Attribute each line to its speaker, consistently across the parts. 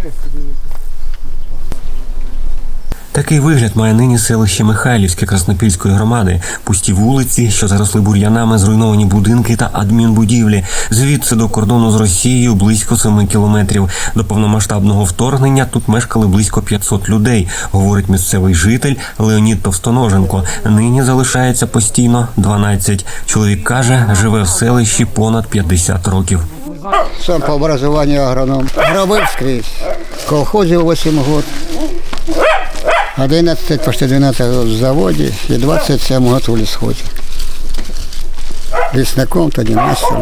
Speaker 1: Такий вигляд має нині селище Михайлівське Краснопільської громади. Пусті вулиці, що заросли бур'янами, зруйновані будинки та адмінбудівлі. Звідси до кордону з Росією близько 7 кілометрів. До повномасштабного вторгнення тут мешкали близько 500 людей, говорить місцевий житель Леонід Товстоноженко. Нині залишається постійно 12. Чоловік каже, живе в селищі понад 50 років.
Speaker 2: Сам по образованию агроном. Робив скрізь. В колхозі 8 років. 11, почти 12 років в заводі і 27 років у лісхозі. Лісником, тоді майстером.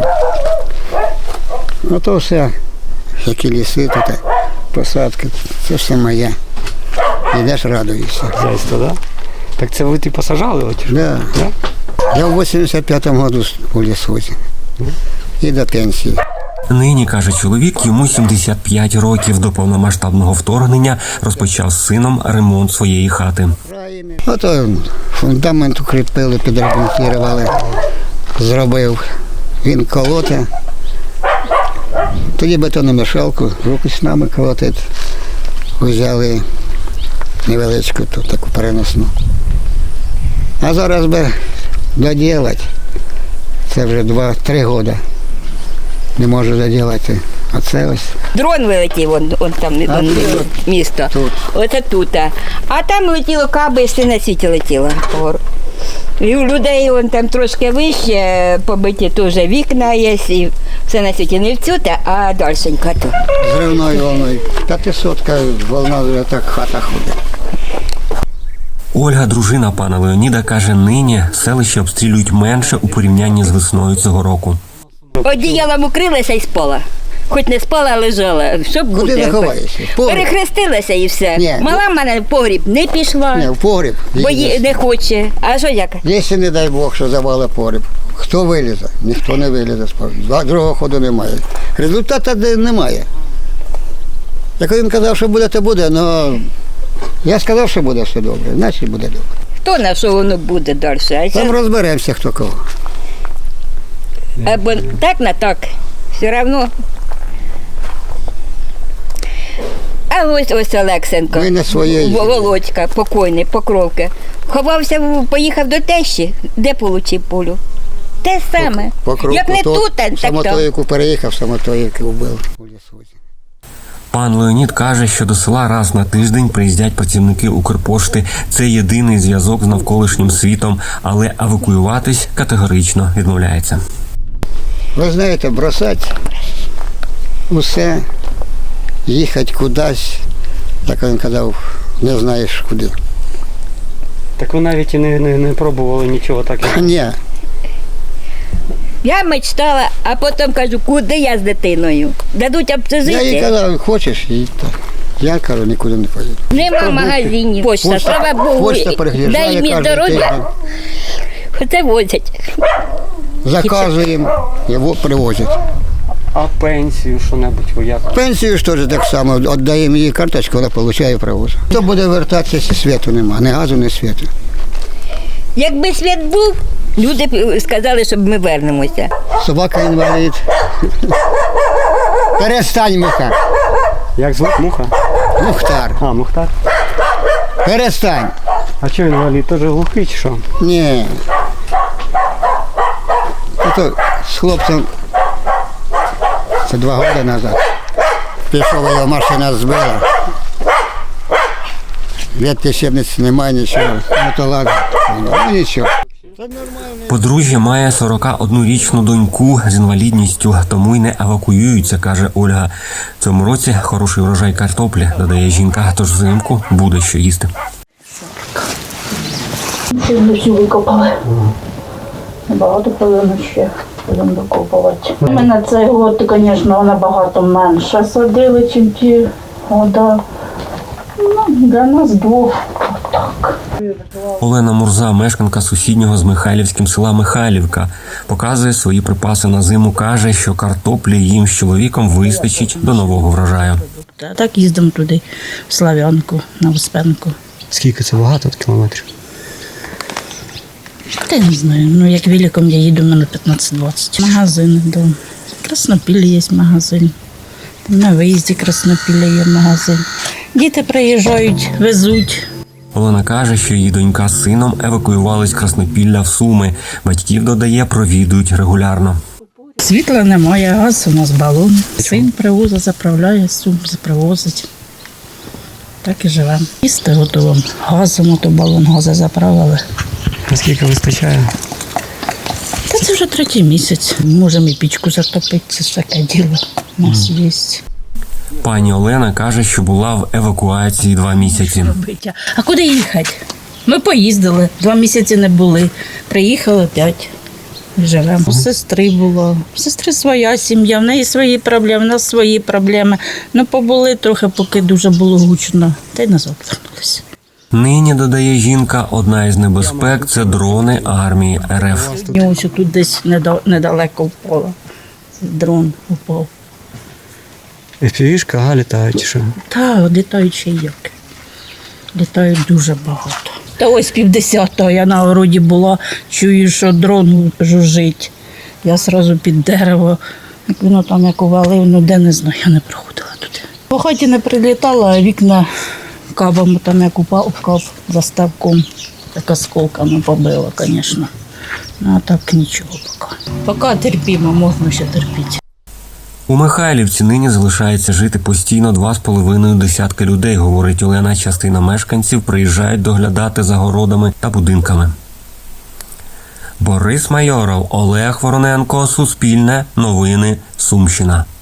Speaker 2: Ну то все, які ліси тут, посадки, це все моє. Йдеш, радуєшся.
Speaker 3: Хазяйство, так? Да? Так це ви посажали?
Speaker 2: Так. Да. Да? Я в 85-му році у лісхозі. І до пенсії.
Speaker 1: Нині, каже чоловік, йому 75 років. До повномасштабного вторгнення розпочав з сином ремонт своєї хати.
Speaker 2: Ото фундамент укріпили, підремонтували, зробив. Він колоте. Тоді бетономішалку, руками колотить. Взяли невеличку, тут таку переносну. А зараз би доділати. Це вже 2-3 роки. Не можу доділати. Оце ось.
Speaker 4: Дрон вилетів, он там місто.
Speaker 2: Тут.
Speaker 4: Оце тут. А там летіло каби, і все на світі летіло. І у людей вон там трошки вище, побиті теж вікна є, і все на світі. Не в цю, а дальшенько тут.
Speaker 2: Зривною волною. 500-ка волна вже так хата ходить.
Speaker 1: Ольга, дружина пана Леоніда, каже, нині селище обстрілюють менше у порівнянні з весною цього року.
Speaker 4: Одіялом укрилася і спала. Хоч не спала, а лежала. Що буде?
Speaker 2: Куди ти ховаєшся?
Speaker 4: Перехрестилася і все.
Speaker 2: Ні.
Speaker 4: Мала в мене в погріб не пішла,
Speaker 2: Ні, в погріб.
Speaker 4: бо не хоче. А що як?
Speaker 2: Якщо, не дай Бог, що завали погріб, хто вилізе? Ніхто не вилізе з погріб. Другого ходу немає. Результату немає. Як він казав, що буде, то буде, але я сказав, що буде все добре, значить буде добре.
Speaker 4: Хто на що воно буде далі?
Speaker 2: Там розберемося, хто кого.
Speaker 4: Або так на так. Все одно. А ось Олексенко,
Speaker 2: Ми не своєї.
Speaker 4: Володька, покойний, Покровка. Ховався, поїхав до тещі, де отримав пулю. Те саме. Як не тут, так там.
Speaker 2: Самотоївку переїхав, Самотоївки вбив у лісхозі.
Speaker 1: Пан Леонід каже, що до села раз на тиждень приїздять працівники Укрпошти. Це єдиний зв'язок з навколишнім світом, але евакуюватись категорично відмовляється.
Speaker 2: Ви знаєте, бросати усе, їхати кудись, як він казав, не знаєш куди.
Speaker 3: Так ви навіть і не пробували нічого такого?
Speaker 2: Ні.
Speaker 4: Я мечтала, а потім кажу, куди я з дитиною? Дадуть
Speaker 2: Я їй
Speaker 4: обцезити.
Speaker 2: казав, хочеш, їдь. Я кажу, нікуди не поїду.
Speaker 4: Нема магазинів. Почта, слава Богу,
Speaker 2: Почта переїжджає
Speaker 4: дай мені
Speaker 2: кожен
Speaker 4: здоров'я.
Speaker 2: тиждень.
Speaker 4: Це возять.
Speaker 2: Заказуємо, його привозять.
Speaker 3: А пенсію що-небудь ви як?
Speaker 2: Пенсію ж теж так само, віддаємо їй карточку, вона отримує привоз. Хто буде вертатися, якщо світу нема, ні газу, ні світу.
Speaker 4: Якби світ був, люди б сказали, щоб ми вернемося.
Speaker 2: Собака інвалід. Перестань, Муха.
Speaker 3: Як звуть Муха?
Speaker 2: Мухтар.
Speaker 3: А, Мухтар.
Speaker 2: Перестань.
Speaker 3: А що він валій? Теж глухий чи що?
Speaker 2: Ні. Ото з хлопцем, це 2 роки назад, пішов, його машина збила. Ветки щебниці немає, нічого. Ну то ладно, ну нічого.
Speaker 1: Подружжя має 41-річну доньку з інвалідністю, тому й не евакуюються, каже Ольга. В цьому році хороший врожай картоплі, додає жінка, тож взимку буде що їсти.
Speaker 5: Всі викопали. Набагато повинно ще будемо докопувати. Ми на цей год, звісно, набагато менше садили, ніж ті года. Ну, для нас двох отак.
Speaker 1: Олена Мурза, мешканка сусіднього з Михайлівським села Михайлівка, показує свої припаси на зиму. Каже, що картоплі їм з чоловіком вистачить до нового врожаю.
Speaker 6: Так їздимо туди, в Слав'янку, на Успенку.
Speaker 3: Скільки це багато кілометрів?
Speaker 6: Та я не знаю, ну як великом я їду, в мене 15-20. Магазин, да. Краснопіль є магазин. На виїзді Краснопілля є магазин. Діти приїжджають, везуть.
Speaker 1: Олена каже, що її донька з сином евакуювались з Краснопілля в Суми. Батьків, додає, провідують регулярно.
Speaker 6: Світла немає, газ у нас балон. Син привозить, заправляє, Сум привозить. Так і живемо. Їсти готуємо. Газом, ото балон газу заправили.
Speaker 3: Наскільки вистачає?
Speaker 6: Та це вже 3-й місяць. Можемо і пічку затопити, це ж таке діло. У нас є.
Speaker 1: Пані Олена каже, що була в евакуації 2 місяці.
Speaker 6: А куди їхати? Ми поїздили, 2 місяці не були. Приїхали 5. Живемо. У сестри було. У сестри своя сім'я, в неї свої проблеми, в нас свої проблеми. Ну, побули трохи, поки дуже було гучно. Та й назад вернулися.
Speaker 1: Нині, додає жінка, одна із небезпек – це дрони армії РФ.
Speaker 6: Ось тут десь недалеко впало. Дрон упав.
Speaker 3: FPV-шка, літають чи що?
Speaker 6: Та, літають ще як. Літають дуже багато. Та ось 50-го я на городі була, чую, що дрон жужжить. Я одразу під дерево, як воно там як увалив, ну де не знаю, я не проходила туди. По хаті не прилітала, а вікна кабами там як упав кап за ставком. Так осколками побило, звісно. Ну а так нічого поки. Поки терпімо, можна ще терпіти.
Speaker 1: У Михайлівці нині залишається жити постійно 2,5 десятки людей, говорить Олена. Частина мешканців приїжджають доглядати за городами та будинками. Борис Майоров, Олег Вороненко, Суспільне, Новини, Сумщина.